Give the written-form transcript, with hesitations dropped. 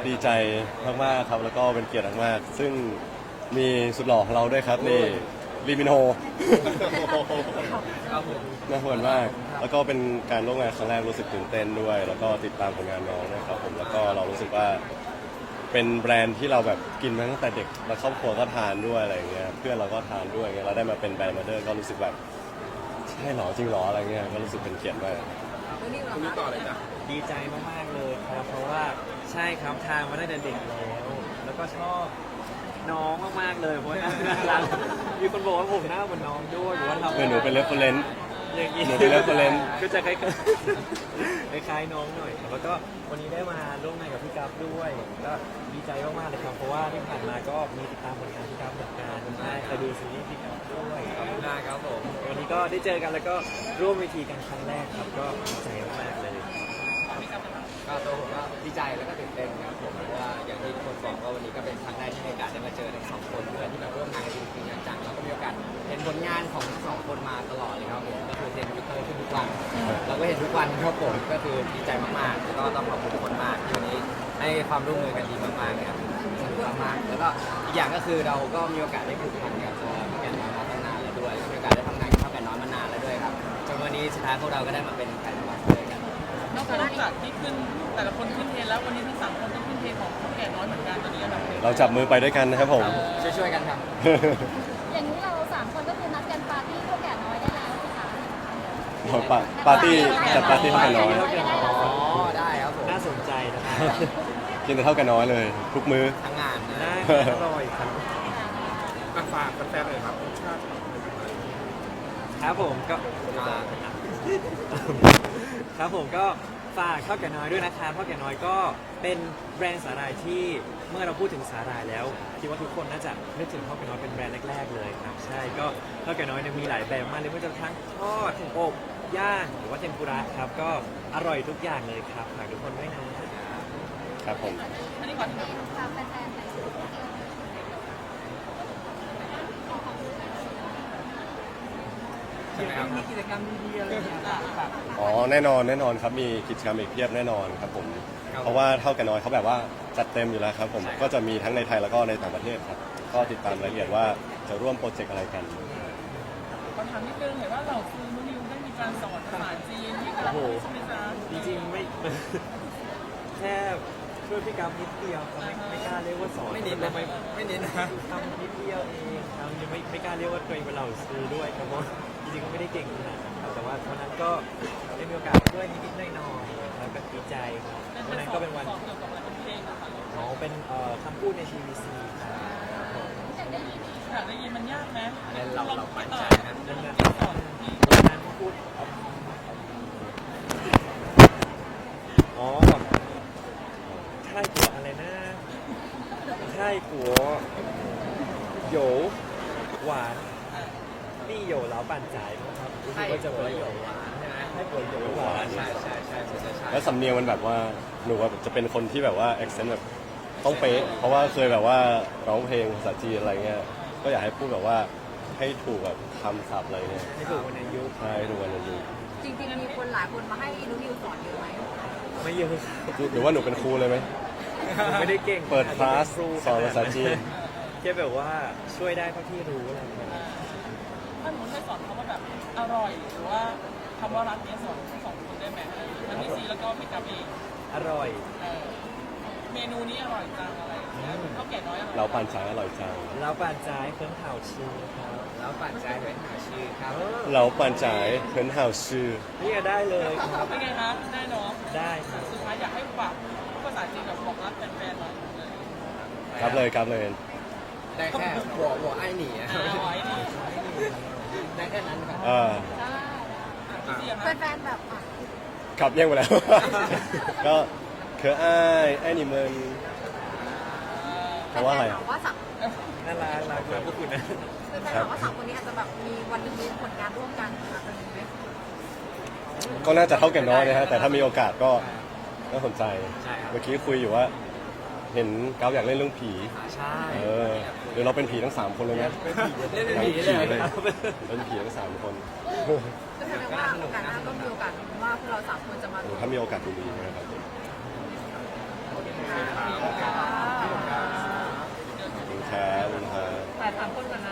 ดีใจมากๆครับแล้วก็เป็นเกียรติมากๆซึ่งมีสุดหล่อของเราด้วยครับนี่ลีมินโฮครับผมน่าหวนมากแล้วก็เป็นการร่วมงานครั้งแรกรู้สึกตื่นเต้นด้วย แล้วก็ติดตามผลงานน้องนะครับผมแล้วก็เรารู้สึกว่าเป็นแบรนด์ที่เราแบบกินมาตั้งแต่เด็กแล้วครอบครัวก็ทานด้วยอะไรเงี้ยเพื่อนเราก็ทานด้วยเงี้ยเราได้มาเป็นแบรนด์มาเดอร์ก็รู้สึกแบบใช่หรอจริงหรออะไรเงี้ยก็รู้สึกเป็นเกียรติมากคุณนี่ต่อเลยจ้ะดีใจมากๆเลยครับเพราะว่าใช่ครับทานมาตั้งแต่เด็กแล้วก็ชอบน้องมากๆเลยเพราะว่าน่ารักมีคนบอกว่าผมหน้าเหมือนน้องด้วยหรือว่าเราหนูเป็นเรฟเฟอเรนซ์อย่างนี้หนูเป็น reference ก็จะคล้ายๆคล้ายๆน้องหน่อยครับแล้วก็วันนี้ได้มาร่วมงานกับพี่กัฟด้วยก็ดีใจมากๆเลยครับเพราะว่าที่ผ่านมาก็มีติดตามผลงานพี่กัฟเหมือนกันใช่เคยดูซีรีส์พี่กัฟด้วยขอบคุณมากครับผมวันนี้ก็ได้เจอกันแล้วก็ร่วมเวทีกันครั้งแรกครับก็ดีใจมากๆเลยก็ตัวผมก็ดีใจแล้วก็ตื่นเต้นครับผมเพราะว่าอย่างที่ทุกคนบอกว่าวันนี้ก็เป็นครั้งแรกที่มีโอกาสได้มาเจอทั้งสองคนเพื่อนที่แบบร่วมงานกันจริงๆจังๆแล้วก็มีโอกาสเห็นผลงานของทั้งสองคนมาตลอดเลยครับผมก็คือเห็นทวิตเตอร์ขึ้นทุกวันเราก็เห็นทุกวันครับผมก็คือดีใจมากๆแล้วก็ต้องขอบคุณทุกคนมากที่วันนี้ให้ความร่วมมือกันดีมากๆเลยครับสนุกมากๆแล้วก็อีกอย่างก็คือเราก็มีโอกาสได้ผูกพันกับตัวพี่แก่นน้อยมาตั้งนานแล้วด้วยแล้วก็มีโอกาสได้ทำงานกับพี่แก่นน้อยมานานแล้วด้วยครับจนวันนี้สุดท้ายพวกเราก็ได้มาเป็นแฟนบอลด้วยกันนอกจากที่ขึ้นแต่ละคนขึ้นเทรนแล้ววันนี้ทั้งสามคนต้องขึ้นเทรนของเท่าแก่น้อยเหมือนกันตอนนี้อันดับหนึ่งเราจับมือไปด้วยกันนะครับผมช่วยๆกันครับอย่างนี้เราสามคนก็คือนัดกันปาร์ตี้พวกแก่น้อยได้แล้วสิคะปาร์ตี้จัดปาร์ตี้เท่ากันน้อยอ๋อได้ครับผมน่าสนใจนะครับกินแต่เท่ากันน้อยเลย ทุกมื้อทั้งงานนะได้อร่อยครับฝากแฟนๆเลยครับครับผมก็ครับผมก็ฝากข้าวแก่น้อยด้วยนะครับข้าวแก่น้อยก็เป็นแบรนด์สาหร่ายที่เมื่อเราพูดถึงสาหร่ายแล้วคิดว่าทุกคนน่าจะนึกถึงข้าวแก่น้อยเป็นแบรนด์แรกๆเลยครับใช่ก็ข้าวแก่น้อยเนี่ยมีหลายแบบมากเลยไม่ว่าจะทั้งทอดอบย่างหรือว่าเทมปุระครับก็อร่อยทุกอย่างเลยครับฝากทุกคนด้วยนะครับผมอันนี้ก่อนฝากแฟนๆหน่อยสิใช่ไหมครับมีกิจกรรมดีๆอะไรอย่างเงี้ยแบบอ๋อแน่นอนครับมีกิจกรรมอีกเพียบแน่นอนครับผมเพราะว่าเท่ากันน้อยเขาแบบว่าจัดเต็มอยู่แล้วครับผมก็จะมีทั้งในไทยแล้วก็ในต่างประเทศครับก็ติดตามรายละเอียดว่าจะร่วมโปรเจกต์อะไรกันขอถามนิดนึงเห็นว่าเราคือนุนิวได้มีการสอนภาษาจีนที่กับใช่ไหมจ๊ะจริงๆไม่ แค่ช่วยพี่กัฟนิดเดียวครับไม่กล้าเรียกว่าสอนไม่นิดนะไม่นิดนะทำนิดเดียวเองครับยังไม่กล้าเรียกว่าตัวเองเป็นเหล่าซื้อด้วยครับเพราะจริงๆก็ไม่ได้เก่งขนาดนั้นครับแต่ว่าวันนั้นก็ได้มีโอกาสช่วยนิดๆหน่อยๆแล้วก็ดีใจครับวันนั้นก็เป็นวันสอนเกี่ยวกับอะไรเป็นเพลงนะคะอ๋อเป็นคำพูดใน TVC ครับอยากได้ยินมันยากไหมเราปั่นใจนะนั่นนะสอนที่วันนั้นพูดอ๋อใช่กัวอะไรนะใช่กัวโหยวหวานนี่โหยวเหลาปั่นจ่ายนะครับรู้สึกว่าจะเป็นโหยวหวานใช่ไหมให้กัวโหยวหวานใช่ใช่ใช่ใช่ใช่แล้วสำเนียงมันแบบว่าหนูว่าจะเป็นคนที่แบบว่า accent แบบต้องเป๊ะเพราะว่าเคยแบบว่าร้องเพลงภาษาจีนอะไรเงี้ยก็อยากให้พูดแบบว่าให้ถูกแบบคำศัพท์อะไรเงี้ยให้ถูกวันอายุใช่ถูกวันอายุจริงๆมีคนหลายคนมาให้นุนิวสอนเยอะไหมไม่เยอะครับหรือว่าหนูเป็นครูเลยไหมไม่ได้เก่งเปิดคลาสสอนภาษาจีนแค่แบบว่าช่วยได้เท่าที่รู้อะไรอย่างเงี้ยถ้าหนูให้สอนคำว่าแบบอร่อยหรือว่าคำว่ารักเนี้ยสอนทั้งสองคนได้ไหมทั้งพี่ซีแล้วก็พี่กับเองอร่อยเมนูนี้อร่อยจังอะไรอย่างเงี้ยข้าวแก่น้อยอร่อยเราปั่นช้างอร่อยจังเราป่านจ่ายเครื่องเผาชีครับแล้วปั่นใจเป็นหาชื่อครับเราปั่นจ่ายเหินห่าวชื่อนี่ก็ได้เลยครับเป็นไงคะได้เนาะได้ครับสุดท้ายอยากให้ฝากภาษาจีนแบบบอกรักแฟนๆหน่อยครับเลยครับเลยได้แค่หัวไอ้หนีอะเอาไว้นี่ได้แค่นั้นครับพี่ซีอะแฟนๆแบบอ่ะขับแย่งไปแล้ว ก็เคออ้ายไอ้นี่มึงแฟเพราะว่าอะไรนๆอ่ะบอกว่าสับน่ารักรักมากพวกคุณนะแฟนๆบอกว่าสามคนนี้อาจจะแบบมีวันหนึงมีผลงานร่วมกันอาจจะมีไหมก็น่าจะเท่ากันน้อยนะฮะแต่ถ้ามีโอกาสก็น่าสนใจใช่ครับเมื่อกี้คุยอยู่ว่า เห็นก้าวอยากเล่นเรื่องผีใช่เดี๋ยวเราเป็นผีทั้ง3คนเลยนะเล่นเป็นผีเลยครับเป็นผีทั้ง3คนก็แสดงว่าโอกาสหน้าก็มีโอกาสว่าพวกเราสามคนจะมาโอ้ถ้ามีโอกาสดีๆนะครับร่วมกัน 3 คนก่อนนะ